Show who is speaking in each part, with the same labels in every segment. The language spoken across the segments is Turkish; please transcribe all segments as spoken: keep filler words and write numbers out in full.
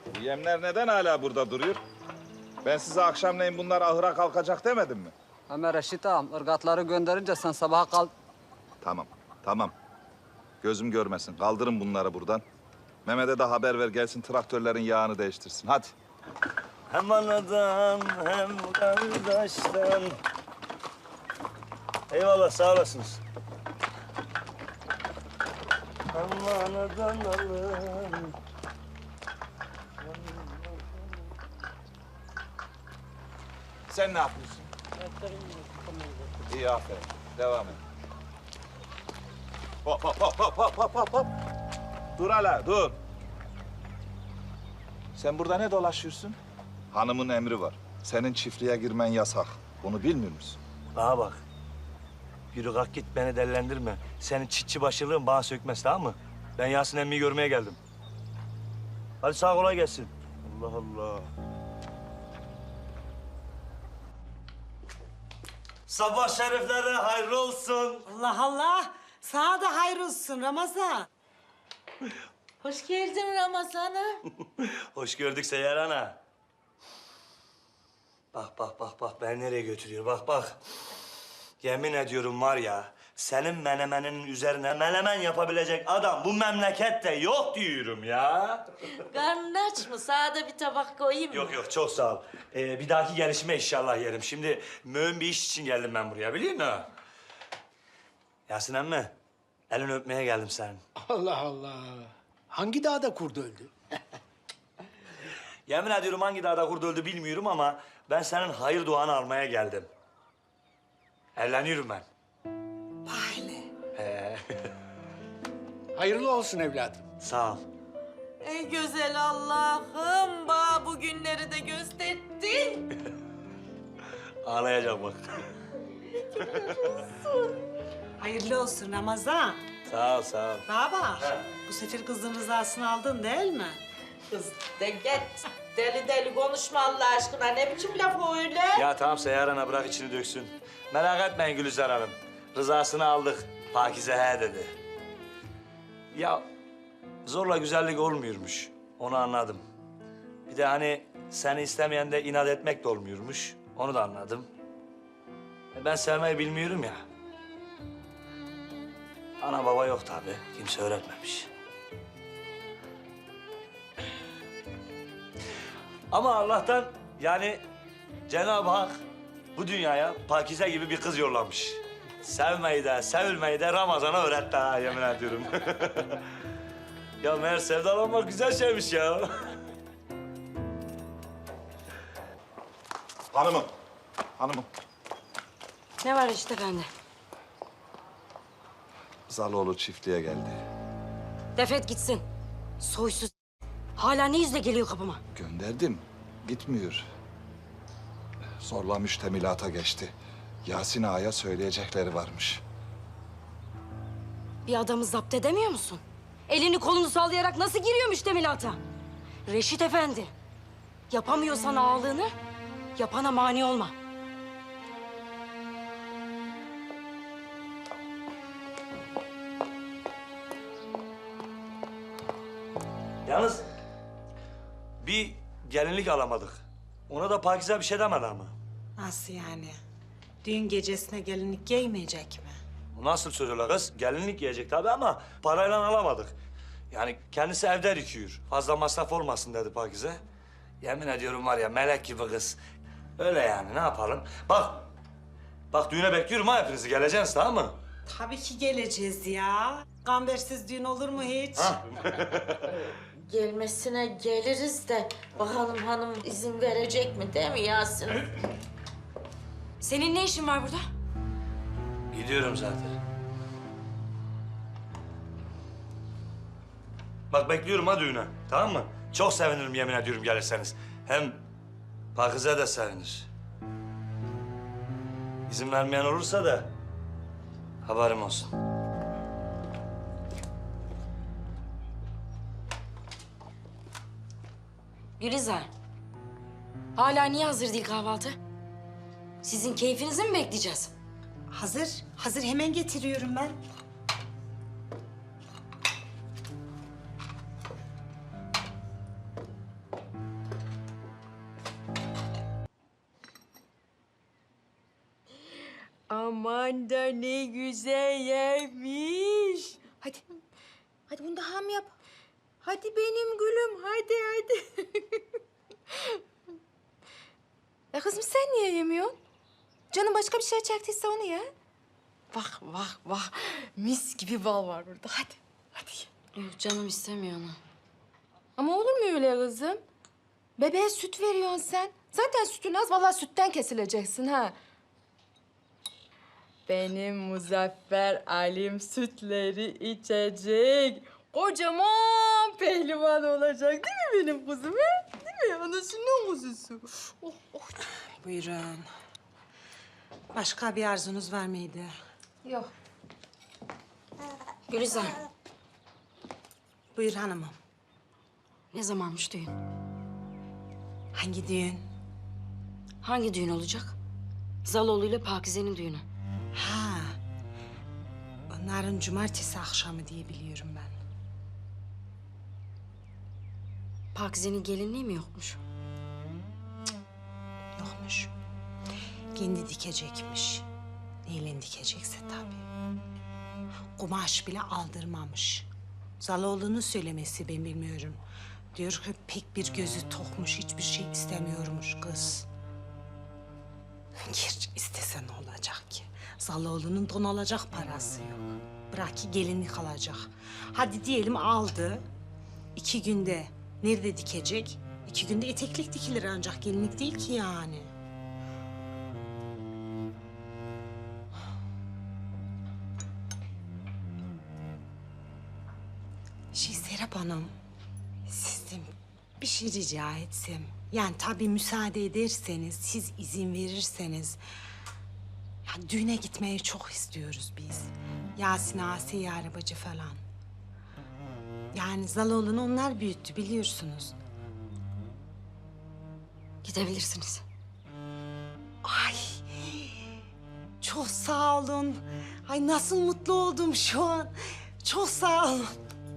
Speaker 1: Bu yemler neden hala burada duruyor? Ben size akşamleyin bunlar ahıra kalkacak demedim mi?
Speaker 2: Ömer Reşit ağam, ırgatları gönderince sen sabaha kal...
Speaker 1: Tamam, tamam. Gözüm görmesin. Kaldırın bunları buradan. Mehmet'e de haber ver gelsin traktörlerin yağını değiştirsin. Hadi.
Speaker 3: Hem anadan hem kardeşten. Eyvallah, sağ olasınız. Hem anadan alın.
Speaker 1: Sen ne yapıyorsun? İyi, aferin. Devam et. Hop, hop, hop, hop, hop, hop, hop, hop. Dur hala, dur. Sen burada ne dolaşıyorsun? Hanımın emri var. Senin çiftliğe girmen yasak. Bunu bilmiyor musun?
Speaker 3: Bana bak. Yürü kalk git, beni dellendirme. Senin çitçi başılığın bana sökmez, tamam mı? Ben Yasin emmiyi görmeye geldim. Hadi sağ kolay gelsin. Allah Allah. Sabah şerifleri hayırlı olsun.
Speaker 4: Allah Allah. Sana da hayır olsun Ramazan.
Speaker 5: Hoş geldin Ramazan'ım.
Speaker 3: Hoş gördük Seyyar Ana. Bak bak bak bak beni nereye götürüyor bak bak. Yemin ediyorum var ya senin menemeninin üzerine menemen yapabilecek adam bu memlekette yok diyorum ya.
Speaker 5: Karnın aç mı? Sana da bir tabak koyayım mı?
Speaker 3: Yok yok çok sağ ol. Ee, bir dahaki gelişime inşallah yerim. Şimdi mühim bir iş için geldim ben buraya biliyor musun? Yasin emmi elini öpmeye geldim senin.
Speaker 6: Allah Allah. Hangi dağda kurdu öldü?
Speaker 3: Yemin ediyorum hangi dağda kurdu öldü bilmiyorum ama ben senin hayır duanı almaya geldim. Evleniyorum ben.
Speaker 4: Bahane.
Speaker 3: Ee,
Speaker 6: Hayırlı olsun evladım.
Speaker 3: sağ ol.
Speaker 5: Ey güzel Allah'ım, bana bu günleri de gösterdin.
Speaker 3: Ağlayacak bak.
Speaker 4: Hayırlı olsun Ramazan.
Speaker 3: Sağ ol, sağ ol.
Speaker 4: Bana bak. Bu sefer kızın rızasını aldın değil mi?
Speaker 5: Kız de git. Deli deli konuşma Allah aşkına. Ne biçim laf o öyle?
Speaker 3: Ya tamam Seyyar Ana bırak içini döksün. Merak etmeyin Gülizar Hanım. Rızasını aldık. Pakize he dedi. Ya zorla güzellik olmuyormuş. Onu anladım. Bir de hani seni istemeyen de inat etmek de olmuyormuş. Onu da anladım. E, Ben sevmeyi bilmiyorum ya. Ana baba yok tabii. Kimse öğretmemiş. Ama Allah'tan yani Cenab-ı Hak bu dünyaya Pakize gibi bir kız yollamış. Sevmeyi de, sevilmeyi de Ramazan'a öğretti ha yemin ediyorum. Ya meğer sevdalanmak güzel şeymiş ya.
Speaker 1: Hanımım, hanımım.
Speaker 7: Ne var işte bende?
Speaker 1: Zaloğlu çiftliğe geldi.
Speaker 7: Defet gitsin. Soysuz. Hala ne yüzle geliyor kapıma?
Speaker 1: Gönderdim, gitmiyor. Zorla müştemilata geçti. Yasin Ağa'ya söyleyecekleri varmış.
Speaker 7: Bir adamı zapt edemiyor musun? Elini kolunu sallayarak nasıl giriyor müştemilata? Reşit Efendi. Yapamıyorsan ağalığını, yapana mani olma.
Speaker 3: Yalnız bir gelinlik alamadık. Ona da Pakize bir şey demedi ama.
Speaker 4: Nasıl yani? Düğün gecesine gelinlik giymeyecek mi?
Speaker 3: Bu nasıl söz öyle kız? Gelinlik giyecek tabii ama parayla alamadık. Yani kendisi evde dikiyor. Fazla masraf olmasın dedi Pakize. Yemin ediyorum var ya melek gibi kız. Öyle yani ne yapalım? Bak, bak düğüne bekliyorum ha hepinizi. Geleceksiniz tamam mı?
Speaker 4: Tabii ki geleceğiz ya. Gambersiz düğün olur mu hiç?
Speaker 5: Gelmesine geliriz de bakalım hanım izin verecek mi değil mi Yasin?
Speaker 7: Senin ne işin var burada?
Speaker 3: Gidiyorum zaten. Bak bekliyorum ha düğüne tamam mı? Çok sevinirim yemin ediyorum gelirseniz. Hem Pakize de sevinir. İzin vermeyen olursa da haberim olsun.
Speaker 7: Gülizar. Hala niye hazır değil kahvaltı? Sizin keyfinizi mi bekleyeceğiz?
Speaker 4: Hazır. Hazır hemen getiriyorum ben.
Speaker 8: Aman da ne güzel yermiş. Hadi. Hadi bunu da ham yap. Hadi benim gülüm. Hadi hadi. Ya kızım sen niye yemiyorsun? Canım başka bir şey çektiyse onu ye. Bak bak bak. Mis gibi bal var burada. Hadi. Hadi ye.
Speaker 7: Yok canım istemiyor onu.
Speaker 8: Ama olur mu öyle kızım? Bebeğe süt veriyorsun sen. Zaten sütün az. Vallahi sütten kesileceksin ha. Benim Muzaffer Alim sütleri içecek. Kocaman pehlivan olacak değil mi benim kuzum? He? Değil mi? Anasının kuzusu. Oh, oh.
Speaker 4: Buyurun. Başka bir arzunuz var mıydı?
Speaker 8: Yok.
Speaker 7: Gülizar,
Speaker 4: Buyur hanımım.
Speaker 7: ne zamanmış düğün?
Speaker 4: Hangi düğün?
Speaker 7: Hangi düğün olacak? Zaloğlu ile Pakize'nin düğünü.
Speaker 4: Ha. Onların cumartesi akşamı diye biliyorum ben.
Speaker 7: Pakize'nin gelinliği mi yokmuş?
Speaker 4: Yokmuş. Kendi dikecekmiş. Neyle dikecekse tabii. Kumaş bile aldırmamış. Zaloğlu'nun söylemesi ben bilmiyorum. Diyor ki pek bir gözü tokmuş, hiçbir şey istemiyormuş kız. Gerçi istese ne olacak ki? Zaloğlu'nun don alacak parası yok. Bırak ki gelinlik alacak. Hadi diyelim aldı. İki günde nerede dikecek? İki günde eteklik dikilir ancak gelinlik değil ki yani. Şey Serap Hanım, sizden bir şey rica etsem. Yani tabii müsaade ederseniz, siz izin verirseniz. Ya düğüne gitmeyi çok istiyoruz biz. Yasin Asiye arabacı falan. Yani Zaloğlu'nu onlar büyüttü biliyorsunuz.
Speaker 7: Gidebilirsiniz.
Speaker 4: Ay çok sağ olun. Ay nasıl mutlu oldum şu an. Çok sağ olun.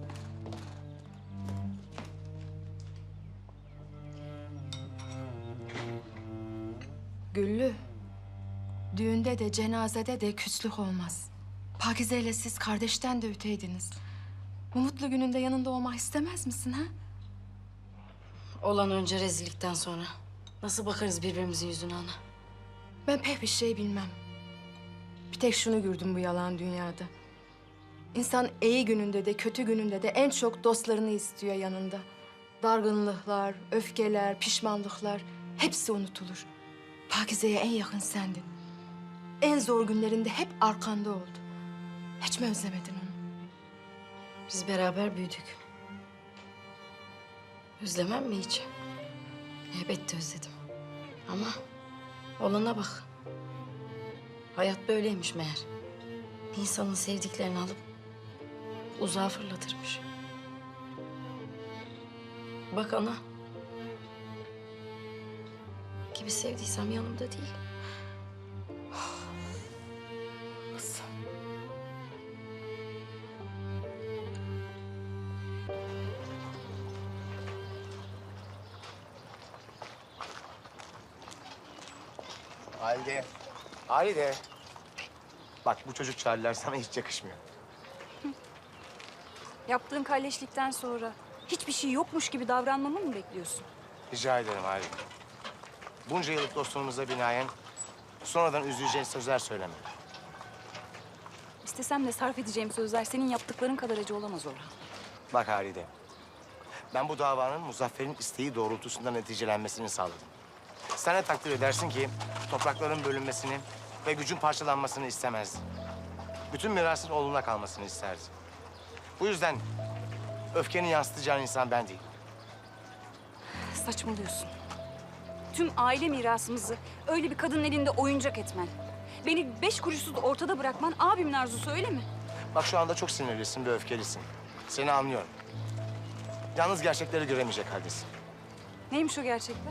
Speaker 8: Güllü. Düğünde de cenazede de küslük olmaz. Pakize ile siz kardeşten de öteydiniz. Bu mutlu gününde yanında olmak istemez misin ha?
Speaker 7: Olan önce rezillikten sonra. Nasıl bakarız birbirimizin yüzüne ana?
Speaker 8: Ben pek bir şey bilmem. Bir tek şunu gördüm bu yalan dünyada. İnsan iyi gününde de kötü gününde de en çok dostlarını istiyor yanında. Dargınlıklar, öfkeler, pişmanlıklar hepsi unutulur. Pakize'ye en yakın sendin. En zor günlerinde hep arkanda oldu. Hiç mi özlemedin onu?
Speaker 7: Biz beraber büyüdük. Özlemem mi hiç? Elbette özledim. Ama olana bak. Hayat böyleymiş meğer. İnsanın sevdiklerini alıp uzağa fırlatırmış. Bak ana. Gibi sevdiysem yanımda değil.
Speaker 8: Kızım.
Speaker 9: Halide. Halide. Bak bu çocuk çağrılar sana hiç yakışmıyor.
Speaker 10: Yaptığın kalleşlikten sonra hiçbir şey yokmuş gibi davranmamı mı bekliyorsun?
Speaker 9: Rica ederim Halide. Bunca yıllık dostluğumuza binaen sonradan üzüleceğin sözler söyleme.
Speaker 10: İstesem de sarf edeceğim sözler senin yaptıkların kadar acı olamaz Orhan.
Speaker 9: Bak Halide. Ben bu davanın Muzaffer'in isteği doğrultusunda neticelenmesini sağladım. Sen de takdir edersin ki toprakların bölünmesini ve gücün parçalanmasını istemezdim. Bütün mirasın oğluna kalmasını isterdi. Bu yüzden öfkeni yansıtacağın insan ben değilim.
Speaker 10: Saçmalıyorsun. Tüm aile mirasımızı öyle bir kadının elinde oyuncak etmen. Beni beş kuruşsuz ortada bırakman abimin arzusu öyle mi?
Speaker 9: Bak şu anda çok sinirlisin ve öfkelisin. Seni anlıyorum. Yalnız gerçekleri göremeyecek haldesin.
Speaker 10: Neymiş o gerçekler?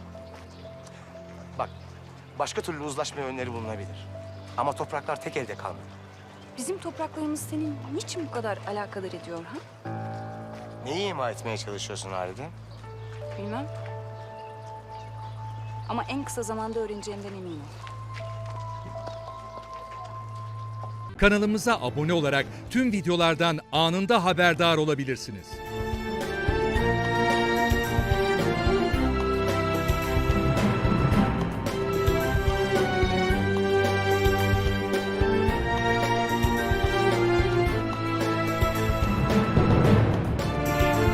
Speaker 9: Bak, başka türlü uzlaşma yönleri bulunabilir. Ama topraklar tek elde kalmadı.
Speaker 10: Bizim topraklarımız senin niçin bu kadar alakadar ediyor ha?
Speaker 9: Neyi ima etmeye çalışıyorsun Halide?
Speaker 10: Bilmem. Ama en kısa zamanda öğreneceğimden eminim.
Speaker 11: Kanalımıza abone olarak tüm videolardan anında haberdar olabilirsiniz.